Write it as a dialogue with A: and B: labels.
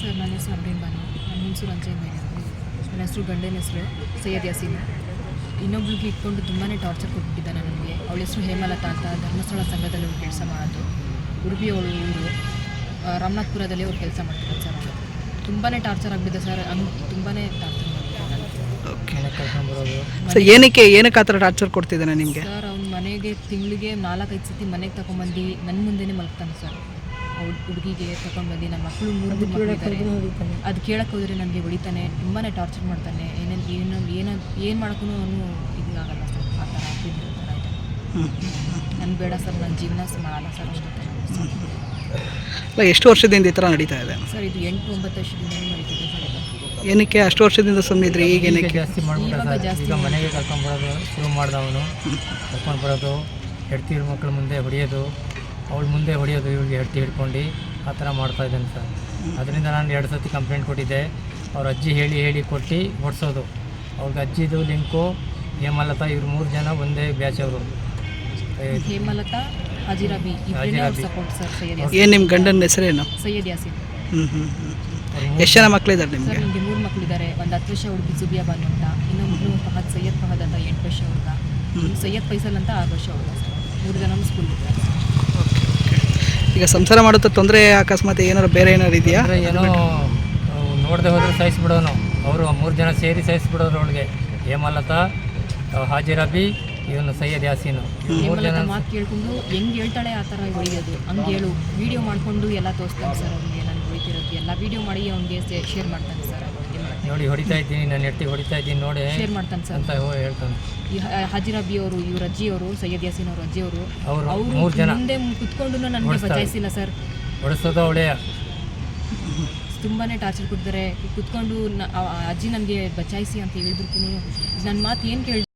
A: Sir, ನನ್ನ ಹೆಸರು ಅಬ್ರೀನ್ ಬಾನು. ನನ್ನ ಹುಣಸೂರು ಅಂಚೆಯಿಂದ. ನನ್ನ ಹೆಸರು ಗಂಡನ ಹೆಸರು ಸೈಯದ್ ಯಾಸೀನ್. ಇನ್ನೊಬ್ಳಿಗೆ ಇಟ್ಕೊಂಡು ತುಂಬಾ ಟಾರ್ಚರ್ ಕೊಟ್ಬಿಟ್ಟಿದ್ದಾನೆ ನನಗೆ. ಅವಳ ಹೆಸರು ಹೇಮಲತಾ ಅಂತ. ಧರ್ಮಸ್ಥಳ ಸಂಘದಲ್ಲಿ ಅವ್ರು ಕೆಲಸ ಮಾಡೋದು. ಉಡುಪಿ ಅವಳು ಊರು. ರಾಮನಾಥ್ಪುರದಲ್ಲಿ ಅವ್ರು ಕೆಲಸ ಮಾಡ್ತಾರೆ ಸರ್. ಅವರು ತುಂಬಾ ಟಾರ್ಚರ್ ಆಗಿಬಿಟ್ಟಿದೆ ಸರ್. ಹಂಗೆ ತುಂಬಾ ಟಾರ್ಚರ್
B: ಸೊ ಏನಕ್ಕೆ ಆ ಥರ ಟಾರ್ಚರ್ ಕೊಡ್ತಿದ್ದಾನೆ ನಿಮಗೆ?
A: ಸರ್, ಅವ್ನ ಮನೆಗೆ ತಿಂಗಳಿಗೆ 4-5 ಸತಿ ಮನೆಗೆ ತಗೊಂಡ್ಬಂದು ನನ್ನ ಮುಂದೆನೇ ಮಲ್ತಾನೆ ಸರ್. ಹುಡುಗಿಗೆ ತಗೊಂಡ್ಬಂದು ನನ್ನ ಮಕ್ಕಳು 3 ಮಕ್ಕಳಿದ್ದಾರೆ. ಅದು ಕೇಳಕ್ಕೆ ಹೋದರೆ ನನಗೆ ಹೊಡಿತಾನೆ, ತುಂಬಾ ಟಾರ್ಚರ್ ಮಾಡ್ತಾನೆ. ಏನು ಮಾಡೋಕ್ಕೂ ಅವನು ಇದಾಗಲ್ಲ ಸರ್. ಆ ಥರ ನನಗೆ ಬೇಡ ಸರ್, ನನ್ನ ಜೀವನ ಮಾಡಲ್ಲ ಸರ್ ಅಷ್ಟೇ.
B: ಅಲ್ಲ, ಎಷ್ಟು ವರ್ಷದಿಂದ ಈ ಥರ ನಡೀತಾ ಇದೆ
A: ಸರ್? ಇದು 8-9 ವರ್ಷದಿಂದ ನಡೀತಿದೆ ಸರ್.
B: ಏನಕ್ಕೆ ಅಷ್ಟು ವರ್ಷದಿಂದ ಸುಮ್ಮನಿದ್ರಿ? ಈಗ ಏನಕ್ಕೆ
C: ಜಾಸ್ತಿ ಮಾಡ್ಬಿಟ್ಟು ಈಗ ಮನೆಗೆ ಕರ್ಕೊಂಡ್ಬರೋದು ಶುರು ಮಾಡ್ದವನು. ಕರ್ಕೊಂಡು ಬರೋದು, ಹೆಡ್ತಿ ಮಕ್ಕಳ ಮುಂದೆ ಹೊಡೆಯೋದು, ಅವಳ ಮುಂದೆ ಹೊಡೆಯೋದು, ಇವಳಿಗೆ ಹೆಡ್ತಿ ಹಿಡ್ಕೊಂಡು ಆ ಥರ ಮಾಡ್ತಾಯಿದ್ದಾನೆ ಸರ್. ಅದರಿಂದ ನಾನು 2 ಸತಿ ಕಂಪ್ಲೇಂಟ್ ಕೊಟ್ಟಿದ್ದೆ. ಅವ್ರ ಅಜ್ಜಿ ಹೇಳಿ ಕೊಟ್ಟು ಓಡಿಸೋದು. ಅವ್ರಿಗೆ ಅಜ್ಜಿದು ಲಿಂಕು ಹೇಮಲತಾ, ಇವ್ರು 3 ಜನ ಒಂದೇ ಬ್ಯಾಚ್ ಅವರು.
A: Hemalatha, Hajirabi support sir. ಸೈಯದ್ ಯಾಸೀನ್.
B: ಏನು ನಿಮ್ಮ ಗಂಡನ ಹೆಸರೇನು?
A: ಸೈಯದ್ ಯಾಸೀನ್.
B: ಎಷ್ಟು ಜನ ಮಕ್ಕಳಿದ್ದಾರೆ ನಿಮಗೆ?
A: ಸರ್, ನಿಮಗೆ 3 ಮಕ್ಕಳಿದ್ದಾರೆ. ಒಂದು 10 ವರ್ಷ ಹುಡುಗಿ ಜುಬಿಯಾ ಬಾನು ಅಂತ, ಇನ್ನೊಬ್ಬರು ಸೈಯದ್ ಫಹದ್ ಅಂತ 8 ವರ್ಷ ಹುಡುಗ, ಸೈಯದ್ ಫೈಸಲ್ ಅಂತ 6 ವರ್ಷ ಹುಡುಗ ಸರ್. 3 ಜನ ಸ್ಕೂಲ್ ಇದ್ದಾರೆ.
B: ಈಗ ಸಂಸಾರ ಮಾಡುತ್ತಾ ತೊಂದರೆ ಅಕಸ್ಮಾತ್ ಏನಾರು ಬೇರೆ ಏನಾರು ಇದೆಯಾ?
C: ಏನೋ ನೋಡದೆ ಹೋದ್ರೆ ಸಹಿಸ್ಬಿಡೋನು. ಅವರು 3 ಜನ ಸೇರಿ ಸಹಿಸ್ಬಿಡೋರು ಅವಳಿಗೆ. ಹೇಮಲತಾ, ಹಾಜಿರಾಬಿ, ಇವನು ಸೈಯದ್ ಯಾಸೀನು. 3 ಜನ
A: ಮಾತು ಕೇಳ್ಕೊಂಡು ಹೆಂಗೆ ಹೇಳ್ತಾಳೆ ಆ ಥರ ಹೊಡೆಯೋದು. ಹಂಗೆ ಹೇಳು, ವೀಡಿಯೋ ಮಾಡಿಕೊಂಡು ಎಲ್ಲ ತೋರಿಸ್ತಾನೆ ಸರ್. ಅವ್ನಿಗೆ ನಾನು ಹೊಡಿತಿರೋದು ಎಲ್ಲ ವೀಡಿಯೋ ಮಾಡಿ ಅವ್ನಿಗೆ ಶೇರ್ ಮಾಡ್ತಾನೆ ಸರ್.
C: ನೋಡಿ ಹೊಡಿತಾ ಇದ್ದೀನಿ, ನಾನು ಎತ್ತಿ ಹೊಡಿತಾ ಇದ್ದೀನಿ ನೋಡಿ
A: ಶೇರ್ ಮಾಡ್ತಾನೆ ಸರ್
C: ಅಂತ ಹೇಳ್ತಾನೆ.
A: ಈ ಹಾಜಿರಾಬಿ ಅವರು, ಇವ್ರ ಅಜ್ಜಿಯವರು, ಸೈಯದ್ ಯಾಸೀನ್ ಅವ್ರ ಅಜ್ಜಿಯವರು,
C: ಅವರು
A: ಅವರು
C: 3 ಜನ
A: ಮುಂದೆ ಕುತ್ಕೊಂಡು ನನಗೆ ಬಚಾಯಿಸಿಲ್ಲ ಸರ್.
C: ಹೊಡಿಸೋದು ಅವಳೇ.
A: ತುಂಬಾ ಟಾರ್ಚರ್ ಕೊಡ್ತಾರೆ. ಕುತ್ಕೊಂಡು ಅಜ್ಜಿ ನನಗೆ ಬಚಾಯಿಸಿ ಅಂತ ಹೇಳಿದ್ರು. ನನ್ನ ಮಾತು ಏನು ಕೇಳಿ